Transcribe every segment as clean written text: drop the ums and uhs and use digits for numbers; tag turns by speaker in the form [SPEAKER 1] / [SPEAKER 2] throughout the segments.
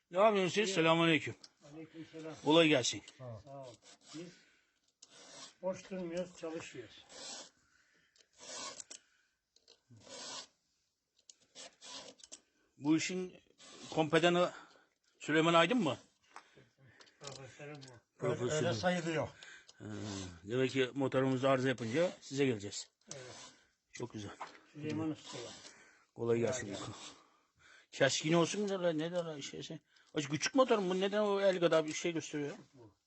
[SPEAKER 1] Ne yapıyorsunuz siz? Selamünaleyküm.
[SPEAKER 2] Aleykümselam.
[SPEAKER 1] Kolay gelsin.
[SPEAKER 2] Sağ ol. Biz boş durmuyoruz, çalışıyoruz.
[SPEAKER 1] Bu işin kompedanı Süleyman Aydın mı?
[SPEAKER 2] Profesörüm bu.
[SPEAKER 1] Profesörüm.
[SPEAKER 3] Öyle sayılıyor.
[SPEAKER 1] Demek ki motorumuz arıza yapınca size geleceğiz.
[SPEAKER 2] Evet.
[SPEAKER 1] Çok güzel.
[SPEAKER 2] Süleyman Usta'ya.
[SPEAKER 1] Kolay gelsin. Keskin olsun da ne derler şeyse. Acı küçük motor mu? Neden o el kadar bir şey gösteriyor?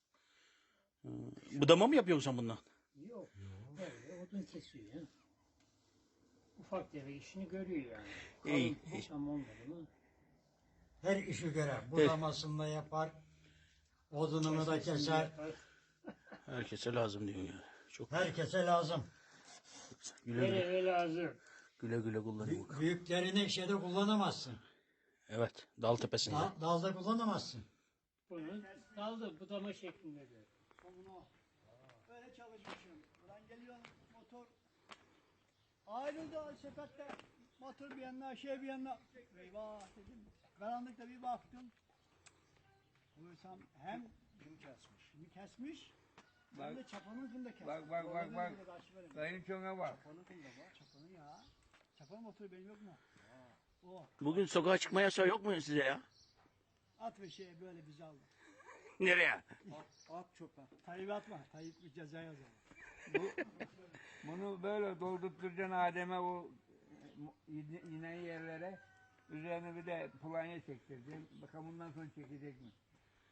[SPEAKER 1] Budama mı yapıyorsun sen bundan?
[SPEAKER 2] Yok. Böyle odun kesiyor ya. Ufak tefek işini görüyor yani.
[SPEAKER 1] İyi,
[SPEAKER 2] Kalın boşam olmadı mı?
[SPEAKER 3] Her işi göre. Budamasını da yapar. Odununu da keser.
[SPEAKER 2] Yapar.
[SPEAKER 1] Herkese lazım diyor yani. Çok
[SPEAKER 3] Herkese lazım.
[SPEAKER 1] güle güle,
[SPEAKER 2] Nereye lazım?
[SPEAKER 1] güle güle kullanın.
[SPEAKER 3] Büyüklerini şeyde kullanamazsın.
[SPEAKER 1] Evet, dal tepesinde.
[SPEAKER 3] Dalda kullanamazsın.
[SPEAKER 2] Bunu daldı budama şeklinde de.
[SPEAKER 4] Bunu böyle çalışmışım. Buradan geliyor motor. Ayrıldı sepette. Motor bir yanına, şey bir yanına. Eyvah dedim. Karanlıkta bir baktım. Bulursam hem kimi kesmiş. Hem de çapanın da kesmiş.
[SPEAKER 5] Bak. Kayınçona bak.
[SPEAKER 4] Çapanın kında var. Çapanın ya. Çapanın motoru benim yok mu? O.
[SPEAKER 1] Bugün sokağa çıkma yasağı yok mu size ya?
[SPEAKER 4] At ve şey böyle bizi aldı.
[SPEAKER 1] Nereye?
[SPEAKER 4] At çöpe. Tayyip atma. Tayyip bir ceza yazar.
[SPEAKER 5] Bunu böyle doldurturacaksın Adem'e o inen yerlere. Üzerine bir de planya çektireceksin. Bakalım bundan sonra çekecek mi?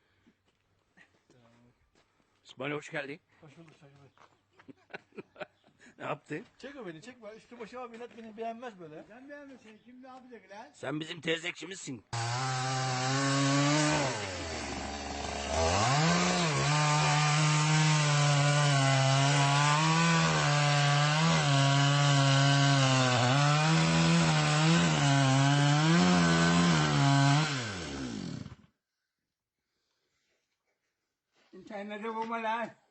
[SPEAKER 1] İsmail hoş geldin.
[SPEAKER 6] Hoş bulduk Sayın Bey.
[SPEAKER 1] Ne yaptın?
[SPEAKER 6] Çekme beni çekme. Üstü başıma millet beni beğenmez böyle.
[SPEAKER 4] Sen beğenmiyorsun. Kim ne yapacak lan?
[SPEAKER 1] Sen bizim teyzekçimizsin.
[SPEAKER 5] İnternette bulma lan.